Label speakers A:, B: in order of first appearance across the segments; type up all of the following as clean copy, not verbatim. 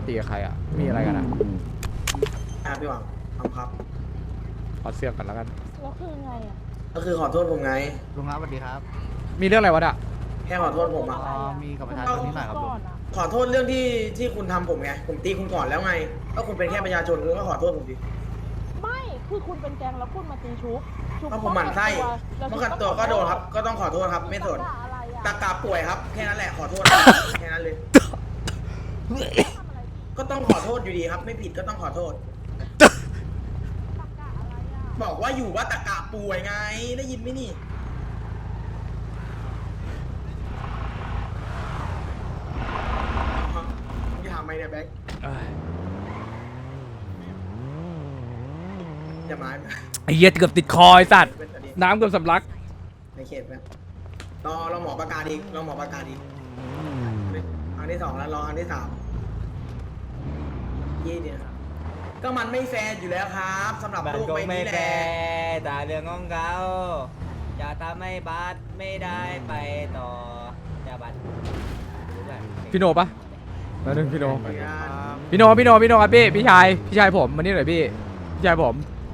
A: ตีกับใครอ่ะมีอะไรกันอ่ะ
B: พี่หวังครับ
A: ขอเสื้อกันแล้วกัน
C: แล้วคือไงอ่ะ
B: ก็คือขอโทษผมไง
D: ลุงครับสวัสดีครับ
A: มีเรื่องอะไรวะอ่ะ
B: แค่ขอโทษผมอ่ะ
D: มีกับประชาชนนิดหน่อยครับลุ
C: ก่
D: ง
C: อนอ่ะ
B: ขอโทษเรื่องที่คุณทำผมไงผมตีคุณก่อนแล้วไงก็คุณเป็นแค่ประชาชนคุณก็ขอโทษผมดิ
C: ไม่คือคุณเป็นแก๊งแล้วคุณมาตีชุบ
B: ก็ผมหมั่นไส้
C: แล้ว
B: เมื่อกันตัวก็โดนครับ ก็ต้องขอโทษครับไม่สน
C: อะไรอ่ะ
B: ตากาป่วยครับแค่นั้นแหละขอโทษครับแค่นั้นเลย
C: ทำอะไรผิด
B: ก็ต้องขอโทษอยู่ดีครับ ไม่ผิดก็ต้องขอโทษ
C: ตะกะอะไรอ่ะ
B: บอกว่าอยู่ว่าตากาป่วยไงได้ยินไหมนี่มึงจะถามไหมเนี่ยแบ็ค
A: เอ้ย
B: จะมา
A: ไอ้เหี้ยเกือบติดคอไอ้สัตว์น้ำเกือบสำลัก
B: ในเขตไหมรอหมอประกาศอีกรอหมอประกาศอีกครั้งที่สองแล้วรอครั้งที่สามยี่เนี่ยก็มันไม่แฟร์อยู่แล้วครับสำหรับ
E: บัต
B: ลู
E: ร
B: ก
E: ก็
B: ใบ
E: ไม่
B: นี้แห
E: แฟ
B: ละ
E: ร์แต่เรื่องของเขาจะทำให้บัตรไม่ได้ไปต่อจะบัตรรู้แบบ
A: พี่โนปะมาหนึ่งพี่โนพี่โนครับพี่ชายผมมานี่หน่อยพี่ชายผม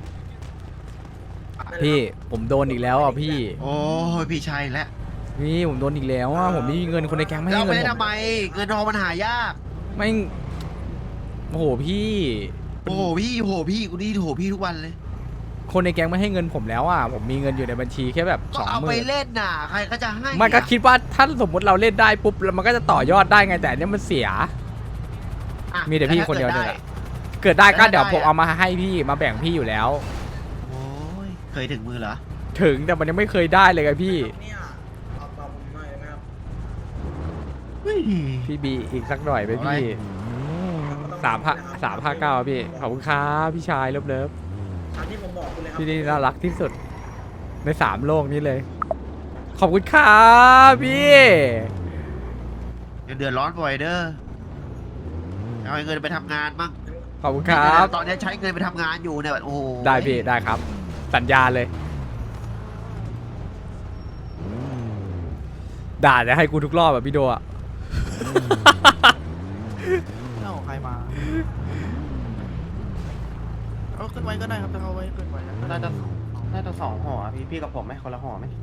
A: พี่ผมโดนอีกแล้วอ่ะพี่
D: โอ้ยพี่ชัยแล้ว
A: พี่ผมโดนอีกแล้วอ่ะผมไม่มีเงินคนในแก๊งไม่ให้
D: เรา
A: เงิ
D: ไม่
A: น
D: ได้
A: ผม
D: ทำไมเงินทองมันหายาก
A: ไม่โอ้โหพี่
D: โอ้โหพี่กูนี่โหพี่ทุกวันเลย
A: คนในแก๊งไม่ให้เงินผมแล้วอ่ะผมมีเงินอยู่ในบัญชีแค่แบบ
D: ก็เอาไป
A: 20,000
D: เล่นน่ะใครก็จะให้
A: มันก็คิดว่าถ้าสมมติเราเล่นได้ปุ๊บแล้วมันก็จะต่อยอดได้ไงแต่อันเนี้ยมันเสีย
D: อ่ะ
A: มีแต่พี่คนเดียว
D: แล้
A: เนี่ย
D: ถ้า
A: แหละเกิดได้ก็
D: แล้วถ้า
A: เดี๋ยว
D: ได้
A: ผมเอามาให้พี่มาแบ่งพี่อยู่แล้ว
D: โอ้ยเคยถึงมือเหรอ
A: ถึงแต่มันยังไม่เคยได้เลยไงพี่
B: เนี่ยเอาผมหน่อยได้ไหมครับ
D: เฮ้ย
A: พี่บีอีกสักหน่อยไหมพี่359พี่ขอบคุณครับพี่ชายเลิฟ
B: ตามที่ผมบอกคุณเลยครับ
A: พี่นี่น่ารักที่สุดใน3โลกนี้เลย ขอบคุณครับพี่
D: เดือดร้อนบ่อยเด้อเอาเงินไปทำงานบ้าง
A: ขอบคุณครับ
D: ตอนนี้ใช้เงินไปทำงานอยู่เนี่ยโอ้โห
A: ได้พี่ได้ครับ สัญญาเลย ด่าจะให้กูทุกรอบแบบพี่โดอ่ะ
D: เอาใครมาเอาขึ้นไว้ก็ได้ครับถ้าเอาไว้ขึ้นไว้นะ
F: น่าจะ2ห่ออะพี่กับผมไหมคนละห่อไหม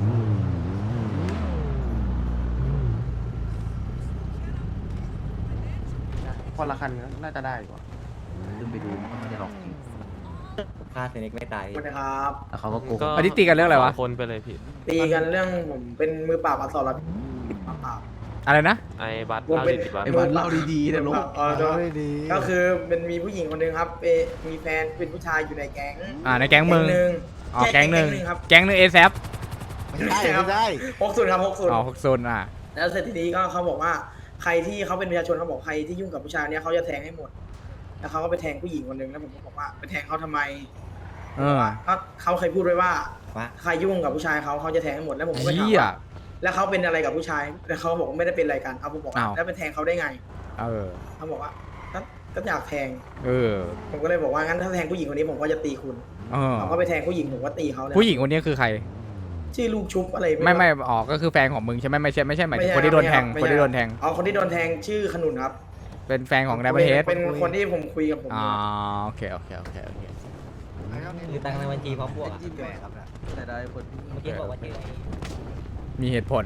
F: คนละคันก็น่าจะได้กว่า
D: ขึ้นไปดูมันไม่ได้หรอก
E: ฆ่าเซนิกไม่ตาย
B: ขอบคุณนะครับ
D: แล้วเขาก็โกง
A: อันนี้ตีกันเรื่องอะไรวะ
F: คนไปเลยพี่
B: ตีกันเรื่องผมเป็นมือปราบอักษรปราบ
A: อะไรนะ
F: ไอ้บัตร
B: ผมเป็น
F: 50 บาท
D: ไอ้วันเล่าดีๆนะลูก
B: ก็คือมันมีผู้หญิงคนหนึ่งครับมีแฟนเป็นผู้ชายอยู่ในแก๊ง
A: ในแก๊งมึง
B: หนึ่ง
A: อ๋อแก๊งหนึ่ง
B: ครับ
A: แก๊งหนึ่งเอซ
D: ไม่ใช่ไม่ใช่
B: 60ครับ60
A: อ๋อ6โซนอ่ะ
B: แล้วเสร็จทีนี้ก็เขาบอกว่าใครที่เขาเป็นประชาชนเขาบอกใครที่ยุ่งกับผู้ชายเนี้ยเขาจะแทงให้หมด แล้วเขาก็ไปแทงผู้หญิงคนหนึ่งแล้วผมก็บอกว่าไปแทงเขาทำไม
A: เออ
B: ก็เขาเคยพูดไว้ว่า
E: ว่า
B: ใครยุ่งกับผู้ชายเขาจะแทงให้หมดแล้วผมก็ไปถาม
A: เหี้ย
B: ว่าแล้วเขาเป็นอะไรกับผู้ชายแล้วเขาบอกว่าไม่ได้เป็นอะไรกันเขาบอกว่า
A: อ้าว
B: แล้วไปแทงเขาได้ไง
A: เออ
B: เขาบอกว่าก็อยากแทง
A: เออ
B: ผมก็เลยบอกว่างั้นถ้าแทงผู้หญิงคนนี้ผมก็จะตีคุณ
A: เออ
B: เขาก็ไปแทงผู้หญิงผมก็ตีเขาเลย
A: ผู้หญิงคนนี้คือใคร
B: ชื่อลูกชุบอะไร
A: ไม่อ๋อก็คือแฟนของมึงใช่ไหมไม่ใช่หมายถึงคนที่โดนแทง
B: ไม่
A: คน
B: ใช่
A: ที่โดนแทง
B: อ๋อคนที่โดนแทงชื่อขนุนครับ
A: เป็นแฟนของไดมอนเฮด
B: เป็นคนที่ผมคุยกับผม
A: อ๋อโอเคโอเค
E: คือตังค์ในบัญชีพร้อมบวกอะ
D: จิ้มแหวกครับนะแต่ได้คน
E: เมื่อกี้บอกว่าเจอไอ้
A: มีเหตุผล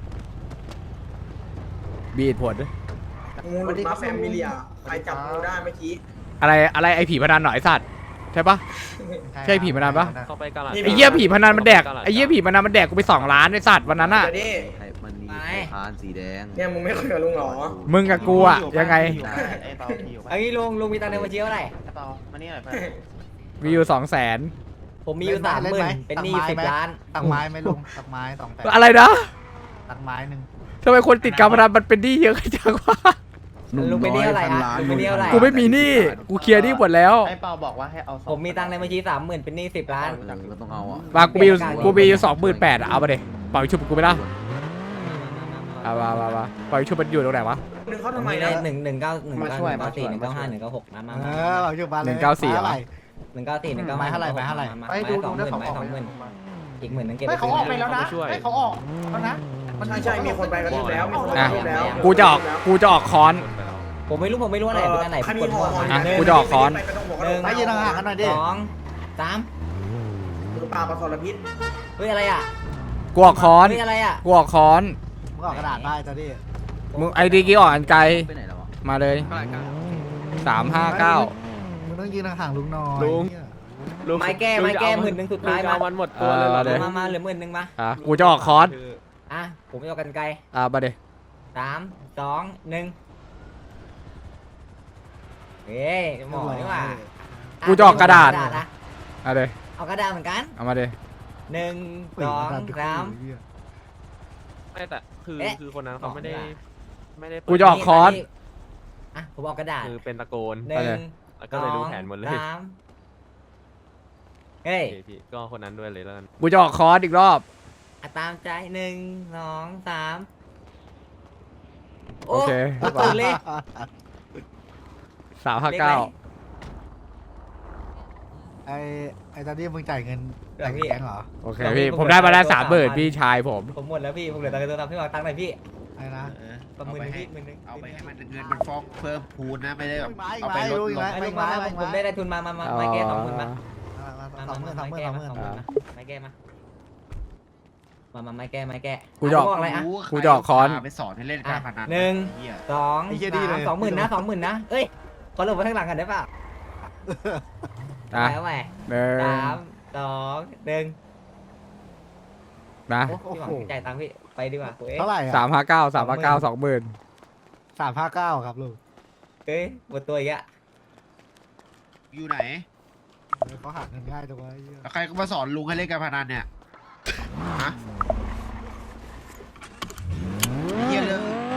A: มีเหตุผล
B: งูหลุดมาแฟมิเลียใครจับงูได้เมื่อกี้
A: อะไรไอ้ผีพนันหน่อยไอ้สัตว์ใช่ปะ ใช่ผีมานานปะ
F: เข้าไปกาลาด
A: ไอ้เหี้ยผีพนันมันแดกไอ้เหี้ยผีพนันมันแดกกูไป2 ล้านไอ้สัตว์วันนั้นอ่ะ
B: เดี๋ยวนี้
D: มันมีพานสีแดง
B: เนี่ยมึงไม่คุยกับลุงเหรอ
A: มึงกับกูอ่ะยังไง
F: ไอ้เปาพี่อยู่ปะ
E: ไอ้ลุงมีตังค์ในบัญชีเท่าไหร่
F: ไอ้เปามานี่หน่อยไป
A: มีอยู่200,000
E: ผมมีอยู่30,000เป็นหนี้10 ล้าน
D: ตักไม้ไหมลุงตักไม้2 แต่
A: อะไรนะ
D: ตักไม้หนึ่ง
A: ทำไมคนติดการพนันมันเป็นหนี้เยอะจังวะ
E: ลุงเป็นหนี้เท่าไหร่อะลุงเป็นหนี้เท่าไหร่
A: กูไม่มีหนี้กูเคลียร์หนี้หมดแล้ว
F: ไอ้เปาบอกว่าให้เอา2
E: ผมมีตังค์ในบัญชี30,000เป็นหนี้10 ล้าน
D: ก็ต้องเอาอ่ะ
A: มากูมีอยู่28,000อะเอาไปเดเป่าชุบกูไปละเอามาเป่าชุบมันอยู่ตรงไหนวะ
B: นึงเขา
E: ผ
B: ทำ
E: ม
B: ไม
E: มี
B: นะ
E: ได้19194 195 196มา
D: เราอยู่บ้านเลย
A: 194เหรอ
E: 194 195
D: ไม้เท่าไหร่ไม้เท่าไหร่
E: ไม้20,000ไม้20,000อีก10,000นึงเก็บ
D: ไม่เขาออกไปแล้วนะ
F: ช่วย
D: ไม่เขาออกแล้วนะ
B: ใช่มีคนไปกระทืบแล้วมีคนไปกระทืบแล้ว
A: กูจะออกค้อน
E: ผมไม่รู้ว่าไหนเป็นอันไหน
B: ใคร
E: ก
B: มี
E: ด
B: ห่
E: มั่
B: อ
E: ว
B: ห่อ
E: มา
A: อ่ะกูจะออกค้อน
B: ไปต้องบอก
E: หนึ่ง
F: ไปยืนห่างๆกันหน่อยดิ
E: สองสาม
B: มือปลาปลาทรพิษ
E: เฮ้ยอะไรอ่ะ
A: กูออกค้อน
E: เฮ้ยอะไรอ่ะ
A: กูออกค้อน
F: มึงออกกระดาษได้ตอนนี้
A: มึงไอดีกี้ออกอันไกล
F: ไปไหนแล้ววะ
A: มาเลย 359
F: มึงต้องยืนห่างๆลุงหน่อย
G: ลุง
E: ไม้แก้10,000สุดท้าย
G: ลุงจะ
E: มา
G: เอามันหมดตัวเลยเหรอ
A: เออ
E: มาเหลือ10,000มา
A: อ่ะกูจะออกค้อน
E: อ่ะผมไม่เอากันไกล
A: มาเด
E: 3 2 1เฮ้ยหมอนี่หว่า
A: กูจะออกกระดาษ
E: อ่ะ
A: มาเด
E: เอากระดาษเหมือนกัน
A: เอามาเด
E: 1 2 3
G: ไม่แต่คือ
E: เอ๊ะ
G: คือคนนั้นเขาไม่ได้
E: ออกดีกว่า
G: ไม่ได้
A: กูจะออกค้อน
E: อ่ะผมออกกระดาษ
G: คือเป็นตะโกน
E: หนึ่ง
G: แล้วก็เลยรู้แผนหมดเลย
E: สามเฮ้ย
G: โอเคพี่ก็คนนั้นด้วยเลยแล้วกัน
A: กูจะออกค้อนอีกรอบ
E: อ่ะตามใจ1 2 3
A: โอเค
E: ตื่นเลย
A: 359
F: ไอ้ตอนนี้มึงจ่ายเงินแต่งแก๊งเหรอ
A: โอเคพี่ ผมได้มาแล้ว30,000พี่ชายผม
E: ผมหมดแล้วพี่ ผมเหลือตังค์ตัวทำพี่วางตังค์หน่อยพี่
F: ไอ้นะ
E: ประ
D: เอา
E: มือ
D: ไป
E: หนึง
D: ให้
E: พี่มือหนึง
D: เอาไปให้มันเงินมันฟ้องเพิ่มพูนนะไม่ได้แบบ
F: ไม่
D: เอาไปลด
F: ไม่
D: ลง
E: ไอ้ลุงมาผมได้ทุนมาไม่แก้20,000มา
F: สองหมื่น
E: ไม่แก้มาไม่แก้
A: กูจะออก
E: อะไรอ่ะ
A: กูจะออกค้อน
D: ไปสอนให้เล่นการพนัน
E: หนึ่ง
D: เหี้ย
E: 2
F: ไอ้เหี้ยดีเลย
E: 3 20,000นะ20,000นะเอ้ยขอลงไปข้างหลังกันได้ป่ะ
A: นะ
E: แล้วแหว
A: หนึ่ง
E: 3 2 1
A: นะ
E: โอ้พี่หวังจ่ายตังค์พี่ไปดีกว่าเอ้ย
F: เท่าไหร่
A: 359 20,000
F: 359ครับลุง
E: เอ้ยหมดตัวอีกอะ
D: อยู่ไหน
F: เขาหาเงินง่ายจังวะไอ้เหี้ย
D: แล้วใครก็มาสอนลุงให้เล่นการพนันเนี่ยฮะเหี้ยเลย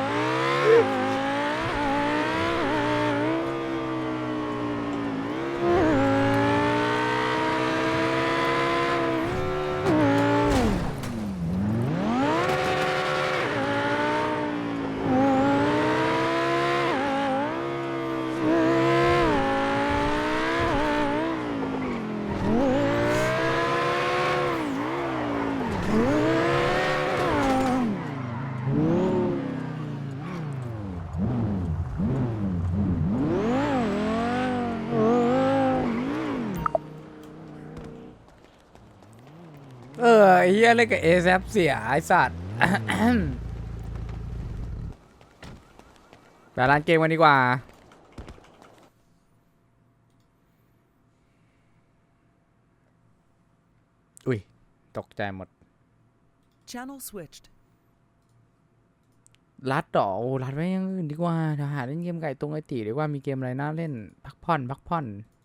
A: ไอ้เฮียเล่นกับเอแซฟเสียไอ้สัตว์ ไปร้านเกมกันดีกว่า อุ้ย ตกใจหมด
H: Channel switched.
A: รัดต่อโอ้รัดไว้อยังอื่นดีกว่าเดี๋ยวหาเล่นเกมไก่ตรงไอตีดีกว่ามีเกมอะไรน่าเล่น พักผ่อน